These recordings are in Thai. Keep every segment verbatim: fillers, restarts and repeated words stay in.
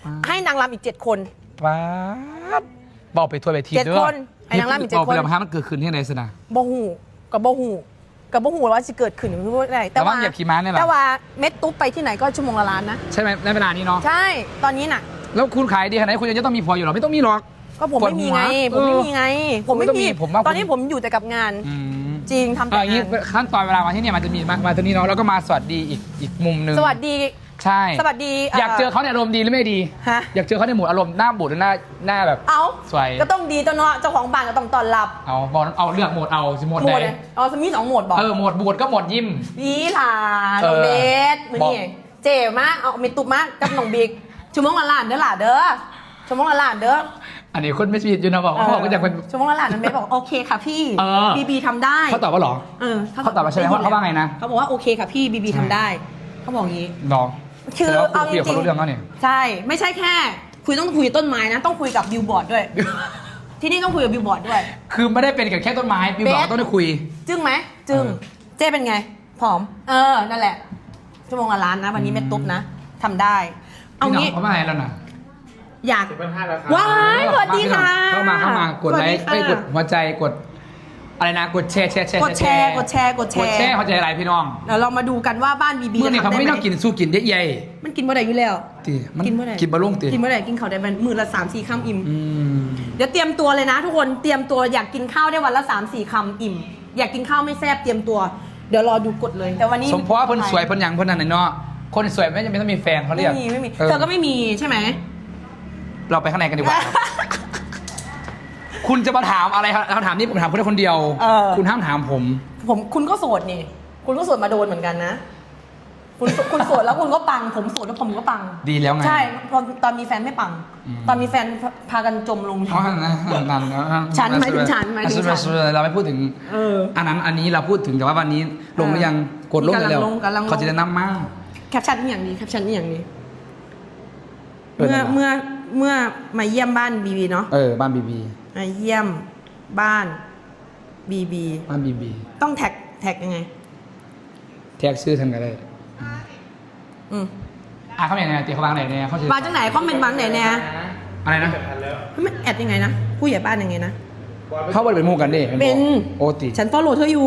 ให้นางรำอีกเจ็ดคนว้าบอกไปทัวร์ไปทีเจ็ดคนไอ้นางรำอีกเจ็ดคนบอกไปแล้วมันเกิดขึ้นที่ไหนสนะบ่หูกับบ่หูกับบ่หูว่าจะเกิดขึ้นหรือว่าอะไรแต่ว่าเหยียบขี่ม้าเนี่ยแหละแต่ว่าเม็ดตุ๊บไปที่ไหนก็ชั่วโมงละล้านนะใช่ไหมในเวลานี้เนาะใช่ตอนนี้น่ะแล้วคุณขายดีขนาดไหนคุณยังจะต้องมีผัวอยู่หรอไม่ต้องมีหรอกก็ผมไม่มีไงผมไม่มีไงผมไม่มีผมว่าตอนนี้ผมอยู่แต่กับงานอืมจริงทำแต่เอาอย่างนี้งานขั้นตอนเวลามาที่เนี่ยมันจะมีมามาตรงนี้เนาะแล้วก็มาสวัสดีอีกอีกมุมหนึงสวัสดีใช่สวัสดีอยากเจอเขาในอารมณ์ดีหรือไม่ดีฮะอยากเจอเขาในโหมดอารมณ์หน้าบูดหรือหน้าหน้าแบบเอาสวยก็ต้องดีตัวเนาะเจ้าของบ้านก็ต้องต้อนรับเอาบอกเอาเลือกโหมดเอาสิโหมดโหมใดดเลยอ๋อสมีสองโหมดบอกเออโหมดบูดก็โหมดยิ้มวีหลาเอน้องอเบสมือบอกนี่เจ๋มากเอาเมตุบมากกับน้องบิ๊กชั่วโมงละล้านเด้อหล่ะเด้อชั่วโมงละล้านเด้ออันนี้คนไม่ชีวิตอยู่นะบอกเขาบอกก็อยากเป็นชั่วโมงละล้านน้องเบสบอกโอเคค่ะพี่เออบีบีทำได้เขาตอบว่าหรอเออเขาตอบมาใช่ไหมว่าเขาว่าไงนะเขาบอกว่าโอเคค่ะพี่บีบีทำได้เขาบอกอย่างนี้น้องคือแสดงว่าเอาคุจยกับริเขางรู้เรื่องแล้วเนี่ยๆใช่ไม่ใช่แค่ คุยต้องคุยกับต้นไม้นะ ต้องคุยกับบิลบอร์ดด้วย ที่นี่ต้องคุยกับบิลบอร์ดด้วยคือไม่ได้เป็นกับแค่ต้นไม้พี่บอกเบสว่าต้องได้คุยจึ้งไหมจึ้งเออเจ๊เป็นไงผอม เออนั่นแหละชั่วโมงละล้านนะ วันนี้เม็ดตุ๊บนะทำได้ เอาพี่น้องงี้เขาว่าไงแล้วนะอยากสิบพันห้าแล้วครับว้ายสวัสดีค่ะเข้ามาเข้ามากดไลค์สวัสไอ้ดียกค่ะดหัวใจกดอะไรนะกดแชร์แชร์แชร์กดแชร์กดแชร์กดแชกดร์แชร์หัวใจอะไรพี่น้องเดี๋ยวเรามาดูกันว่าบ้านบีบีเมื่อนี่เขาไม่ต้องกินสู้กินได้ใหญ่มันกินเมื่อไหร่อยู่แล้วตีมันกินเมื่อไหร่กินบะลุ่งตีกินเมื่อไหร่กินข้าวได้เป็นมือละสามสี่คำอิ่มอืมเดี๋ยวเตรียมตัวเลยนะ ทุกคนเตรียมตัวอยากกินข้าวได้วันละสามสี่คำอิ่ม อยากกินข้าวไม่แซ่บเตรียมตัว เดี๋ยวรอดูกดเลย แต่วันนี้สมเพราะว่าเพิ่นสวยเพิ่นหยังเพิ่นนั่นน่ะเนาะคนสวยไม่จำเป็นต้องมีแฟนเขาเรีไม่ยกมีไม่มีออเธอก็ไม่มีใช่ไหมเราไปข้างในกันดีกว่าครับ คุณจะมาถามอะไรครับคำถามนี้ผมถามคุณได้คนเดียวเออคุณห้ามถามผมผมคุณก็โสดนี่ คุณก็โสดมาโดนเหมือนกันนะ คุณคุณโสดแล้วคุณก็ปัง ผมโสดแล้วผมก็ปังดีแล้วไงใช่ตอนตอนมีแฟนไม่ปังอืมตอนมีแฟนพากันจมลงเพราะฉะนั้นนั่นฉันหมายถึงฉันหมายถึงฉันเราไม่พูดถึงเอออันนั้นอันนี้เราพูดถึงแต่ว่าวันนี้ลงหรือยังกดลงกำลังเร็วลงกำลังลงเขาจะได้นำมากแคปชั่นนี่อย่างนี้แคปชั่นนี่อย่างนี้เออเมื่อนั่นแหละเมื่อเมื่อมาเยี่ยมบ้านบีบีเนาะเออบ้านบีบีมาเยี่ยมบ้านบีบีบ้านบีบีต้องแท็กแท็กยังไงแท็กชื่อทางกันได้อืมอ่ะเขาอย่างไรตีเขาวางไหนเนี่ยเขาจะมาจากไหนคอมเมนต์บางไหนเนี่ยอะไรนะเจ็ดพันแล้วไม่แอดยังไงนะผู้ใหญ่บ้านยังไงนะเขาบ่ได้เป็นหมู่กันดิเป็นโอติฉันฟอลโล่เธออยู่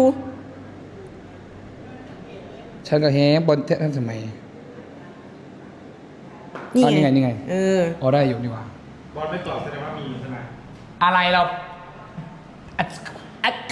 ฉันก็แฮบนท่านสมัยนี่อ๋อนี่ไงนี่ไงเอออ๋อได้อยู่ดีกว่าบอลไม่ตอบแสดงว่ามีใช่ไหมอะไรเราอ่ะอ่ะ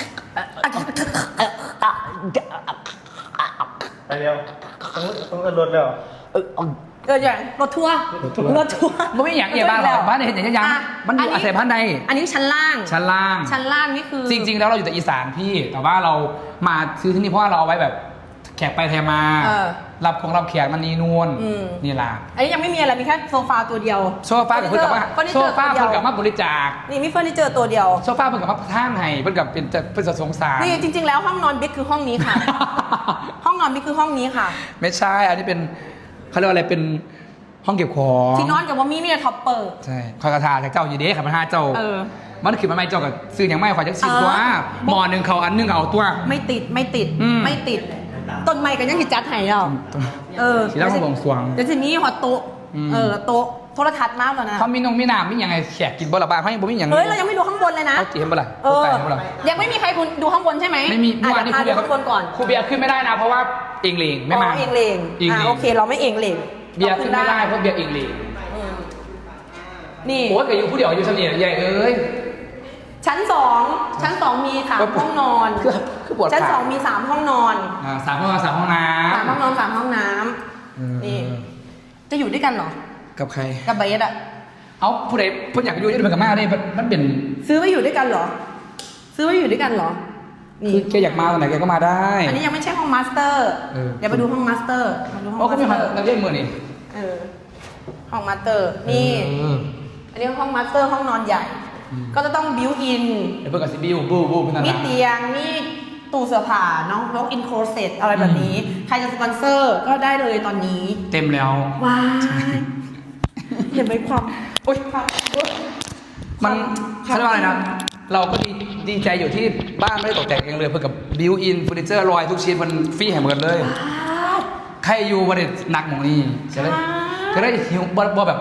ไปเร็วต้องต้องกันรถแล้วเอออย่างรถทัวร์รถทัวร์มันไม่อย่างเอียบ้านหรอกบ้านเนี่ยเห็นอย่างยังอ่ะมันอยู่อาศัยบ้านใดอันนี้ชั้นล่างชั้นล่างชั้นล่างนี่คือจริง ๆ แล้วเราอยู่แต่อีสานพี่ แต่ว่าเรามาซื้อที่นี่เพราะว่าเราเอาไว้แบบแขกไปแทมาเออรับของรับแขกมันนีนวลอืมนี่ล่ะอันนี้ยังไม่มีอะไรมีแค่โซฟาตัวเดียวโซฟากับเพื่อนกับว่าเฟอร์นิโซเจอร์ฟาตัวเดีเพื่ยอนวกับมาบริจาคนี่มีเฟอร์นิเจอร์ตัวเดียวโซฟาเพื่อนกับมาท่านให้เพื่อนกับเป็นจะเป็นจะสงสารนี่จริง ๆ แล้วห้องนอนบิ๊กคือห้องนี้ ค่ะ ห้องนอนบิ๊กคือห้องนี้ค่ะไม่ใช่ อันนี้เป็นเขาเรียกว่าอะไรเป็นห้องเก็บของที่นอนกับว่ามีมีแต่ท็อปเปอร์ใช่คอยกระทาจากเจ้าอยู่เด้ขับมาห้าเจ้าเออมันคือมันไม่เจ้ากับซื้ออย่างไม่ขอยจักสิบเออตัวหมอหนึ่งเขาอันหนึงเอาตัวไม่ติดไม่ติดอืมไม่ติด ต้นไม้กันยังติดจัดไห้เราเออสีแล้วมาบวงสรวงเดี๋ยวทีนี้หอโต๊ะอืมเออโต๊ะโทรทัศน์มากแล้วนะเขามีนงมีน้ำมีอย่างไงแขกกินบ่ละบ้างเขายังบ่มีอย่างเฮ้ยเรายังไม่ดูข้างบนเลยนะเขาจีนบ่ละเออไก่บ่ละยังไม่มีใครคุณดูข้างบนใช่ไหมไม่มีอ่ะเมื่อวานเดี๋นี้ยวครูพาเบียร์ดูข้างบนก่อนครูเบียร์ขึ้นไม่ได้นะ เพราะว่าเองเลงไม่มาอ๋อเองเลงเองเลงอ่ะโอเคเราไม่เองเลงเบียร์ขึ้นไม่ได้เพราะเบียร์เองเลงอืมนี่โอ้ยเกิดอยู่ผู้เดียวอยู่เสน่ห์ใหญ่เอ้ยชั้นสองชั้นสองมีสามก็ปวดห้องนอนคือคือปวดขาชั้นสองมีสามห้องนอนอ่าสามห้องนอนสามห้องน้ำสามห้องนอนสามห้องน้อืมำนี่ จะอยู่ด้วยกันเหรอกับใครกับเบสอะเอาผู้ใดผู้อยากอยู่ด้วยกันกับมาได้มันมันเป็นซื้อไว้อยู่ด้วยกันเหรอ ซื้อไว้อยู่ด้วยกันเหรอ นี่คือแกอยากมาตอนไหนแกก็มาได้อันนี้ยังไม่ใช่ห้องมาสเตอร์เออเดี๋ยวไปดูห้องมาสเตอร์มาดูห้องโอ้ก็มาสมีเตมาอร์เราเรียกมือนี่เออ ห้องมาสเตอร์ นี่เอออันนี้ห้องมาสเตอร์ห้องนอนใหญ่อืมก็จะต้องบิวอินเดี๋ยวเพื่อนกับซิบิวบูบูเป็นอะไรมีเตียง มีตู้เสื้อผ้าเนาะล็อกอินโคเซ็ตอะไรแบบนี้ ใครจะสปอนเซอร์ก็ได้เลยตอนนี้เต็มแล้วว้ายเห็นไหมความโอ๊ยความโอ๊ยมันครับเขาเรียกว่าอะไรนะ เราก็ดีดีใจอยู่ที่บ้านไม่ได้ตกแต่งเองเลยเพื่อกับบิวอินเฟอร์นิเจอร์ลอยทุกชิ้นมันฟรีแห่งหมดเลย ใครอยู่วันเด็หนักหมองนี้จะได้ว้าวก็ได้หิวบ่บ่แบบ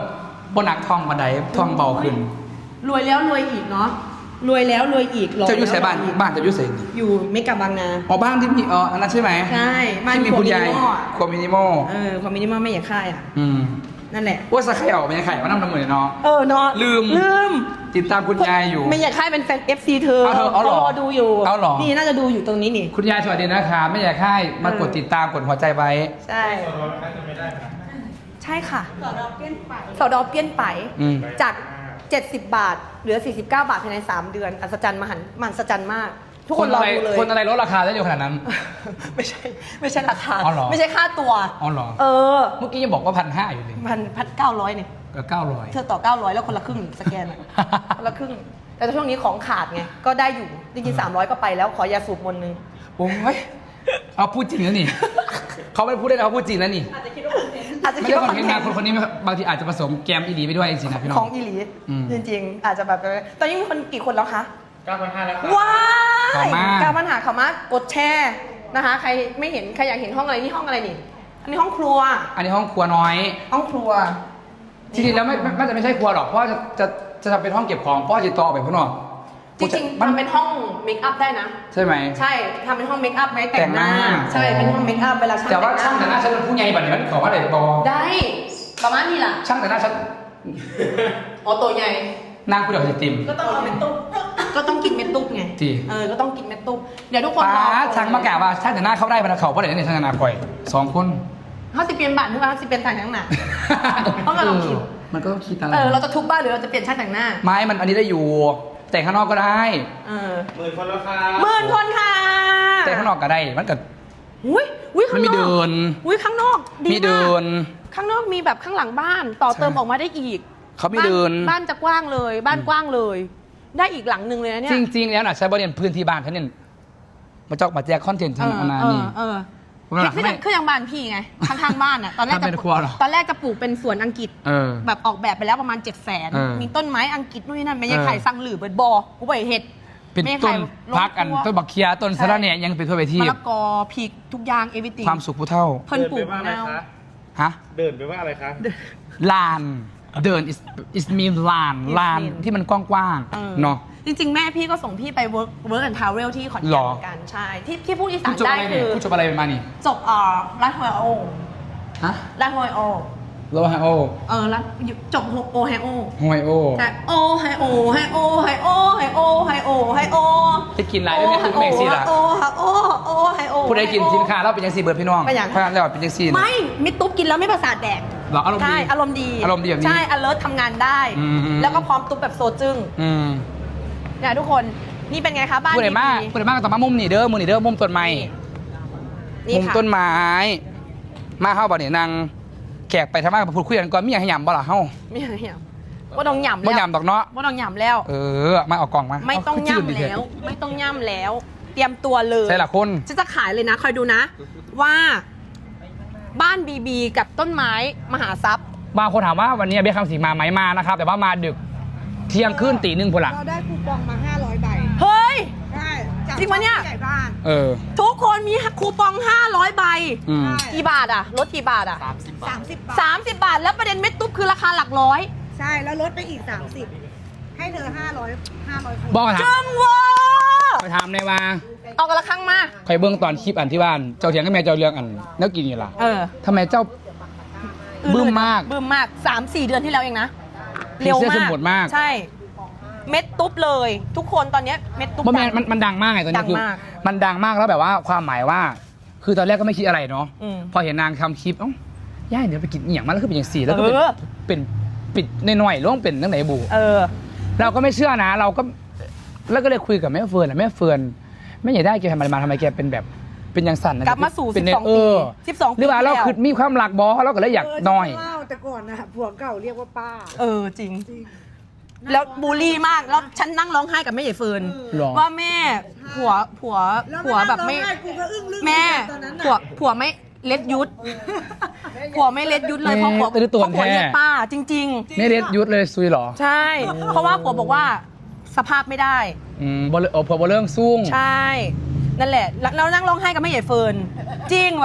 บนหนักทองบันไดทองเบาขึ้นรวยแล้วรวยอีกเนาะรวยแล้วรวยอีกรเจ้าอยู่ใส่บ้านแล้วรวยอีกบ้านเจ้าอยู่ใส่อยู่เมกะบางนาอ๋อบ้านที่มีอ๋ออันนั้นใช่ไหมใช่บ้านที่มีคุณยายครัวมินิมอลอะครัวมินิมอลเออความมินิมอลไม่อยากค่ายอ่ะอืมนั่นแหละว่าสะไข่ออกเป็นยังไข่มานั่งน้ำมือเนาะเออเนาะลืมลืมติดตามคุณยายอยู่ไม่อยากค่ายเป็นแฟน เอฟ ซี เธอเอาเถอะเอาเหรอรอดูอยู่เอาเหรอนี่น่าจะดูอยู่ตรงนี้นี่คุณยายสวัสดีนะคะไม่อยากให้มากดติดตามกดหัวใจไว้ใช่ส่วนลดน่าจะไม่ได้นะใช่ค่ะสอดอเปี้ยนไปสอดอเปี้ยนไปอืมจาก เจ็ดสิบบาท เหลือ สี่สิบเก้า บาทภายใน สาม เดือน อัศจรรย์มหันต์มหัศจรรย์มาก ทุกคนรออะไรดูเลยคนอะไรลดราคาได้เร็วขนาดนั้นไม่ใช่ไม่ใช่ราคาอ๋อเหรอไม่ใช่ค่าตัวอ๋อเหรอเออเมื่อกี้ยังบอกว่าพันห้าอยู่เลยพันพันเก้าร้อยเนี่ยก็เก้าร้อยเธอต่อเก้าร้อยแล้วคนละครึ่งสแกนอะ คนละครึ่ง แต่ช่วงนี้ของขาดไง ก็ได้อยู่ จริงๆสามร้อยก็ไปแล้ว ขอยาสูบมนต์นึงโอ้ยเอาพูดจริงแล้วนี่ เขาไม่ได้พูดได้นะเขาพูดจริงแล้วนี่อาจจะคิดว่าคอนเทนต์อาจจะไม่คิดได้ว่าคอนเทนต์นะคนคนนี้บางทีอาจจะผสมแกมอีดีไปด้วยจริงๆนะพี่น้องของอีหลีอืมจริงๆ อาจจะแบบ ตอนนี้มีคนกี่คนแล้วคะเก้าพันห้าแล้วครับว้าขอบยมากการปัญหาเขามากดแชร์นะคะ ใครไม่เห็น ใครอยากเห็นห้องอะไรนี่ห้องอะไรนี่ อันนี้ห้องครัวอันนี้ห้องครัวน้อยห้องครัวจริงๆแล้วไม่ไม่ไม่จะไม่ใช่ครัวหรอกเพราะว่าจะจะจะทำเป็นห้องเก็บของเพราะว่าจะต่อออกไปข้างนอกจริงๆมันทำเป็นห้องเมคอัพได้นะใช่ไหมใช่ทำเป็นห้องเมคอัพไว้แต่งหน้าแต่งหน้าใช่ เป็นห้องเมคอัพเวลาช่างแต่ว่าช่างแต่งหน้าฉันเป็นผู้ใหญ่บัดนี้มันขอว่าอะไรบอได้ประมาณนี้ล่ะช่างแต่งหน้าฉันอ๋อตัวใหญ่นางผู้เดียวสิติมก็ต้องเอาเม็ดตุ๊บก็ต้องกินเม็ดตุ๊บไงจริงเออ ก็ต้องกินเม็ดตุ๊บเดี๋ยวทุกคนป้ารอช่างมากล่าวว่าช่างแต่งหน้าเข้าได้บรรดาเขาเพราะเดี๋ยวนี้ช่างแต่งหน้าปล่อยสองคนเขาสิเปลี่ยนบ้านทุกวันเขาสิเปลี่ยนแต่งทั้งหน้า ต้องมาลองคิดเออมันก็ต้องคิดอะไรเออ เราจะทุบบ้านหรือเราจะเปลี่ยนช่างแต่งหน้าไม้มันอันนี้ได้อยู่ แต่งข้างนอกก็ได้เออหมื่นคนแล้วครับหมื่นคนค่ะแต่งข้างนอกก็ได้ มันก็อุ้ยอุ้ยข้างนอกมันมีเดินอุ้ยข้างนอกดีมีเดิมากนข้างนอกมีแบบข้างหลังบ้าน ต่อเติมใช่ออกมาได้อีกเขามีเดินบ้านบ้านจะกว้างเลย บ้านกว้างเลย ได้อีกหลังหนึ่งเลยนะเนี่ยจริง ๆ แล้วน่ะใช้บริเวณพื้นที่บ้านเขาเนี่ยมาจอกมาแจกคอนเทนต์เอทางออันนั้นเอนี่อเออผมว่าคือไม่คืออย่างบ้านพี่ไงข้างๆบ้านอ่ะตอนแรกทำเป็นจะครัวเหรอตอนแรกจะปลูกเป็นสวนอังกฤษเออแบบออกแบบไปแล้วประมาณเจ็ดแสนเออมีต้นไม้อังกฤษนู่นนี่นั่นไม่ใช่เออไข่สั่งหรือเบิดบอกูไปเห็ดเป็นไม่ใช่ต้ไข่นลงพักอันครัวต้นบักเคียต้นสะระแหน่ยังเป็นทั่วไปที่มะละกอพริกทุกอย่างเอวิติความสุขผู้เท่าเพิ่นปลูกเดินไปว่าอะไรแนวคะฮะเดินไปว่าอะไรคะลานเดิน is is mean ลาน Is ลาน mean ที่มันกว้างออๆเนาะจริง ๆ แม่พี่ก็ส่งพี่ไป work work and travel ที่ขอนแก่หรนอเหมือนกันใช่ที่ที่พูดอีสาผู้นจบได้อะไรเนี่คืยอผู้จบอะไรมานี่จบเอ่อรัฐโฮไอโอฮะรัฐโฮไอโอโลฮาโอเออรัฐจบโอไฮโอฮวยโอใช่โอไฮโอไฮโอไฮโอไฮโอไฮโอไฮโอจะกินอะไรได้ไหมคุณเมกซี่ล่ะโอไฮโอโอไฮโอผู้ใดกินสินค้าเราเป็นยังซีเบิร์ดพี่น้องเป็นหยังถ้าแล้วเป็นยังซีนะไม่มิดตุ๊บกินแล้วไม่ประสาทแดกเหรออารมณ์ดีใช่อารมณ์ดีอารมณ์ดีแบบนี้ใช่ alert ทำงานได้อืมแล้วก็พร้อมตุ๊บแบบโซจึ้งอืมเนี่ยทุกคนนี่เป็นไงคะบ้านผู้ใดมากดีผู้ใดมากก็ต้องมามุมนี่เด้อมุมนี่เด้อมุมต้นไม้นี่มุมค่ะต้นไม้มาเข้าบ่เนี่ยนางแขกไปทำมากพูดคุยกันก่อนมีอย่างให้ยำบ่ล่ะเฮ้าไม่หยำว่าต้องหยำบ่แล้วยำดอกเนาะว่าต้องหยำแล้วเออมาเอากล่องมาไม่ต้องเาขึ้นจืดดิย่ำแล้ว ไม่ต้องย่ำแล้ว เตรียมตัวเลยใช่ละคนฉันจะขายเลยนะคอยดูนะ ว่าบ้านบีบีกับต้นไม้มหาทรัพย์บางคนถามว่าวันนี้เบี้ยคำสิงมาไหมมานะครับ แต่ว่ามาดึกเที่ยงคืนตีหนึ่งพนละเราได้คูปองมา ห้าร้อย ใบเฮ้ยใช่จากจริงปะเนี่ยผู้ใหญ่บ้านเออทุกคนมีคูปองห้าร้อยใบอืมใช่กี่บาทอะลดกี่บาทอะสามสิบบาทสามสิบบาท แล้วประเด็นเม็ดตุ๊บคือราคาหลักร้อยใช่ แล้วลดไปอีก สามสิบ ให้เธอ ห้าร้อย ห้าร้อยคูปบอกองถามจึงเวอร์ไปถามในว่าเอากันละครั้งมาใครเบื้องตอนคลิปอันที่บ้านเจ้าเถียงกับแม่เจ้าเรื่องอันแล้วกินอยู่ล่ะเออทำไมเจ้า บึ้มมากบึ้มมากสามสี่เดือนที่แล้วเองนะผีเร็วเสื้อมาสกมุทรมากใช่ เม็ดตุ๊บเลย ทุกคนตอนเนี้ยเม็ดตุ๊บเพราะแม่ดังมันมันดังมากไงตอนนี้คือดังมากมันดังมากแล้วแบบว่าความหมายว่า คือตอนแรกก็ไม่คิดอะไรเนาะอืมพอเห็นนางทำคลิปเอ้าย่าเดี๋ยวไปกินอหย่างมาแล้วคือเป็นอย่างสี่แล้วก็เป็นเออเป็นปิดหน่อยๆแล้วต้องเป็นตั้งไหนบูเออเราก็ไม่เชื่อนะ เราก็แล้วก็เลยคุยกับแม่เฟิร์นอะแม่เฟิร์นแม่ใหญ่ได้แกทำอะไรมาทำไมแกเป็นแบบเป็นอย่างสั่นนะกลับมาสู่เป็นสิบสองเออปีสิบสองปีหรือว่าเราที่แล้วคือมีความหลักบอเราก็เลยอยากเออน้อยฉันเล่าแต่ก่อนนะผัวเก่าเรียกว่าป้าเออจริงจริงแล้วบูลลี่มากแล้วฉันนั่งร้องไห้กับแม่ใหญ่เฟิร์นหรอว่าแม่ผัวผัวแล้วผัวแบบไม่ร้องไห้กูก็อึ้งลึกแม่ตอนนั้นผัวน่ะผัวไม่เล็ดยุดผัวไม่เล็ดยุดเลยเพราะผัวแม่แต่ดูตัวเพราะผัวแท้เรียกป้า จริงไม่เด็ดยุดเลยซุยเหรอๆ ใช่ เพราะว่าผัวบอกว่าสภาพไม่ได้อืมบอลโอ้พอบอลเรื่องซุ่งใช่ นั่นแหละ แล้วแล้วนั่งร้องไห้กับแม่ใหญ่เฟิร์นจริงแบบ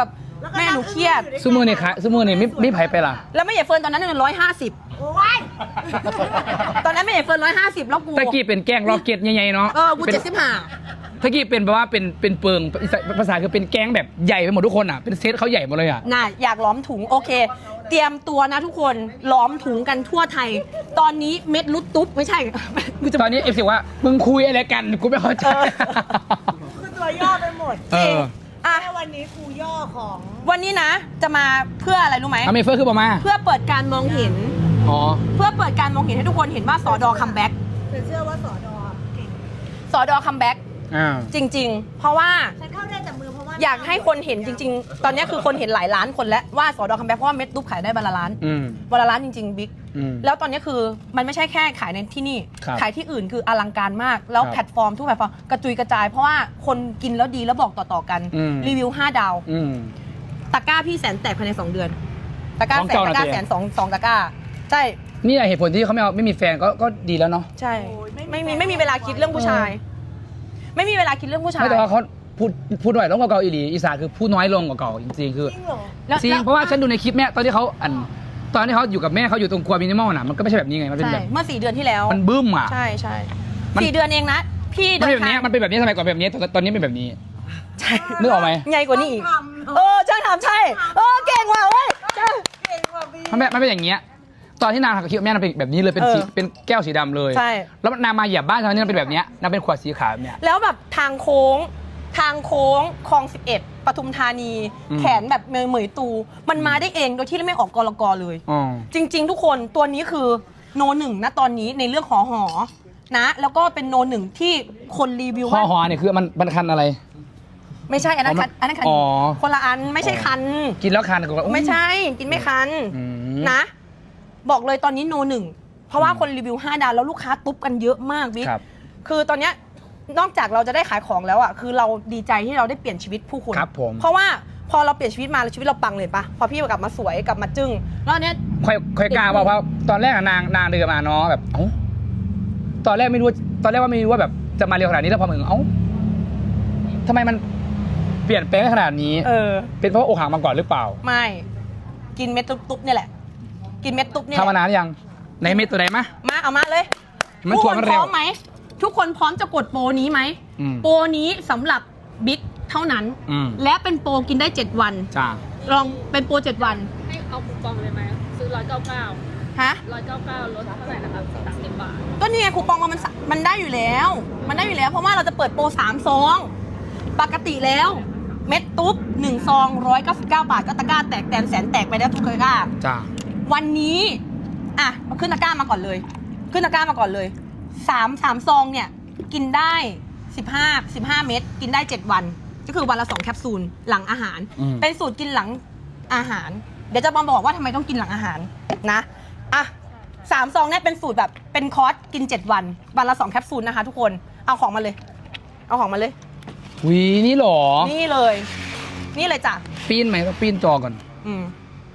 แล้วก็แม่หนูเครียดซูมือนี่ขายซูมือนี่ไม่ไม่ไผไปล่ะแล้วแม่ใหญ่เฟิร์นตอนนั้นเนี่ยร้อยห้าสิบโอ้ยตอนนั้นแม่ใหญ่เฟิร์นร้อยห้าสิบแล้วกูตะกี้เป็นแกงล็อกเก็ตใหญ่ๆเนาะเออกูเจ็ดสิบห้าตะกี้เป็นแบบว่าเป็นเป็นเปิงภาษาคือเป็นแกงแบบใหญ่ไปหมดทุกคนอ่ะเป็นเซตเขาใหญ่หมดเลยอ่ะน่ะอยากล้อมถุงโอเค เตรียมตัวนะทุกคนล้อมถุงกันทั่วไทย ตอนนี้เม็ดลุดตุ๊บไม่ใช่ กูจะตอนนี้เอฟซีว่ามึงคุยอะไรกันกูไม่เข้าใจเออคือตัวย่อไปหมดเอออ่ะแค่วันนี้ครูย่อของวันนี้นะ จะมาเพื่ออะไรรู้ไหมอเมเฟอร์คือประมาเพื่อเปิดการมองเห็นอ๋อเพื่อเปิดการมองเห็นให้ทุกคนเห็นว่าสอดอคัมแบ็กฉันเชื่อว่าสอดอเก่งสอดอคัมแบ็กอ่าจริง ๆ เพราะว่าฉันเข้าได้แต่มือเพราะว่าอยากให้คนเห็นจริง ๆ ตอนนี้คือคนเห็นหลายล้านคนแล้วว่าสอดอคัมแบ็กเพราะว่าเม็ดตุ๊บขายได้วันละล้านอืมวันละล้านจริงๆบิ๊กอืมแล้วตอนนี้คือมันไม่ใช่แค่ขายในที่นี่ครับขายที่อื่นคืออลังการมาก แล้วครับแพลตฟอร์มทุกแพลตฟอร์มกระจุยกระจาย เพราะว่าคนกินแล้วดีแล้วบอกต่อๆกันอืมรีวิวห้าดาวอืมตะกร้าพี่แสนแตกภายในสองเดือน ตะกร้าของแสนเก่าตะกร้าน่ะสิแสนสองสองตะกร้า ใช่นี่แหละเหตุผลที่เขาไม่เอาไม่มีแฟนก็ก็ดีแล้วเนาะใช่ ไม่มีไม่มีเวลาคิดเรื่องผู้ชาย ไม่มีเวลาคิดเรื่องผู้ชายไม่แต่ว่าเขาพูดพูดหน่อยต้องกว่าเก่าอีหลีอีสานคือพูดน้อยลงกว่าเก่าจริงๆคือจริงเหรอแล้วจริงแล้วเพราะว่าฉันดูในคลิปแม่ตอนที่เขาอันตอนที่เขาอยู่กับแม่เขาอยู่ตรงครัวมินิมอลน่ะมันก็ไม่ใช่แบบนี้ไงมันเป็นใช่แบบเมื่อสี่เดือนที่แล้วมันบึ้มอ่ะใช่ใช่มันสี่เดือนเองนะ พี่มันเดิเป็นแบบนทานี้งมันเป็นแบบนี้สมัยก่อนแบบนี้ตอนตอนนี้เป็นแบบนี้ใช่นึกออกไหมใหญ่กว่านี้อีกทำเออช่างทำใช่ เออเก่งว่ะเว้ยใช่เก่งกว่าพี่มันแบบมันเป็นอย่างเงี้ยตอนที่นางทำกับคลิปแม่นางเป็นแบบนี้เลยเป็นสีเออเป็นแก้วสีดำเลยใช่แล้วนางมาเหยียบบ้านตอนนี้นางเป็นแบบเนี้ยนางเป็นขวดสีขาวแบบเนี้ยแล้วแบบทางโค้ง ทางโค้งคลองสิบเอ็ดปทุมธานีอืมแขนแบบเหมยเหมยตู มันมาได้เองโดยที่ไม่ออกกรกรเลยอ๋อจริง ๆ ทุกคนตัวนี้คือโนหนึ่งนะตอนนี้ในเรื่องหอหอนะ แล้วก็เป็นโนหนึ่งที่คนรีวิวห่อว่าห่อเนี่ยคือมันมันคันอะไรไม่ใช่อันนั้นคันอันนั้นคันอ๋อคนละอันไม่ใช่คันกินแล้วคันก็ไม่ใช่กินไม่คันอืมนะ บอกเลยตอนนี้โนหนึ่งเพราะว่าคนรีวิวห้าดาวแล้วลูกค้าตุ๊บกันเยอะมากบิ๊กครับคือตอนเนี้ยนอกจากเราจะได้ขายของแล้วอ่ะคือเราดีใจที่เราได้เปลี่ยนชีวิตผู้คนครับผมเพราะว่าพอเราเปลี่ยนชีวิตมาชีวิตเราปังเลยปะพอพี่กลับมาสวยกลับมาจึ้งแล้วอันเนี้ยค่อยค่อยกล้าบอกเพราะตอนแรกอะนางนางเดินมาเนาะแบบเอ้าตอนแรกไม่รู้ตอนแรกว่าไม่รู้ว่าแบบจะมาเร็วขนาดนี้แล้วพอมึงเอ้าทำไมมันเปลี่ยนแปลงขนาดนี้เออเป็นเพราะว่าอกหักมาก่อนหรือเปล่าไม่กินเม็ดตุ๊บๆเนี่ยแหละ กินเม็ดตุ๊บเนี่ยทำมานานหรือยังในเม็ดตัวไหนมะมาเอามาเลยมันทุกถั่ควมันนเร็พวร้อมไหมทุกคนพร้อมจะกดโปรนี้ไหมอืมโปรนี้สำหรับบิ๊กเท่านั้นอืมและเป็นโปรกินได้เจ็ดวันจ้าลองเป็นโปรเจ็ดวันให้เอาคูปองเลยไหมซื้อร้อยเก้าเก้าฮะร้อยเก้าเก้าลดเท่าไหร่นะครับสามสิบบาทก็นี่ไงคูปองมันสะมันได้อยู่แล้ว มันได้อยู่แล้ว เพราะว่าเราจะเปิดโปรสามซองปกติแล้ว เม็ดตุ๊บหนึ่งซองร้อยเก้าสิบเก้าบาทก็ตะกร้าแตกแตนแสนแตกไปแล้วทุกตะกร้าจ้าวันนี้อ่ะเอาขึ้นตะกร้ามาก่อนเลย ขึ้นตะกร้ามาก่อนเลยสามสามซองเนี่ยกินได้สิบห้า สิบห้าเม็ดกินได้เจ็ดวัน ก็คือวันละสองแคปซูลหลังอาหารอืมเป็นสูตรกินหลังอาหาร เดี๋ยวจะมาบอกว่าทำไมต้องกินหลังอาหารนะอ่ะสามซองเนี่ยเป็นสูตรแบบเป็นคอร์สกินเจ็ดวันวันละสองแคปซูลนะคะ ทุกคนเอาของมาเลย เอาของมาเลยวีนี่หรอนี่เลย นี่เลยจ้ะปีนไหมต้องปีนจอก่อนอืม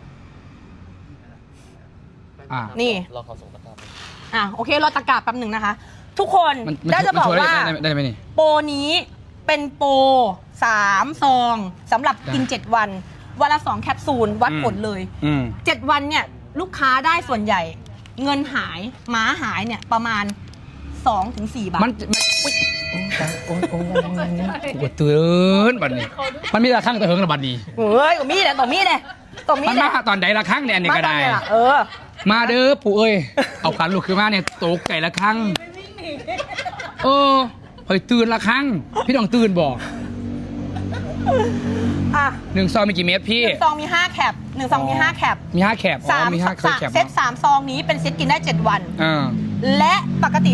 อ่านี่เราขอส่งตะกร้าอ่ะโอเครอตะกร้าแป๊บหนึ่งนะคะ ทุกคนมันมันได้จะบอกมันช่ยว่าได้ได้ได้ไหมนี่โปรนี้เป็นโปรสามซองสำหรับกินได้เจ็ดวัน วันละสองแคปซูลวัดอืมผลเลยอืมเจ็ดวันเนี่ยลูกค้าได้ส่วนใหญ่ เงินหายหมาหายเนี่ยประมาณสองถึงสี่บาทมันมันอุ๊ยโอ้ยโอ้ยโอ้ยปวดตื่นบัดนี้ มันมีระฆังแต่เฮิงระบัดนี้เฮ้ยตรงนี้เนี่ยตรงนี้เนี่ยตรงนี้มันเนี่มาย ตอนใดระฆังเนี่ยอันนี้ก็ได้มาตอนเนี่ยล่ะเออมาเด้อปู่เอ้ย เอาขันลูกขึ้นมาเนี่ยโตกไก่ละครั้งเออเฮ้ยตื่นละครั้ง พี่ต้องตื่นบอกอ่ะหนึ่งซองมีกี่เม็ดพี่หนึ่งซองมีห้าแคปหนึ่งซองมีห้าแคปมีห้าแคปอ๋สาอมมีห้าเคยสามแคปเซตสามซองนี้เป็นเซตกินได้เจ็ดวันอ่าและปกติ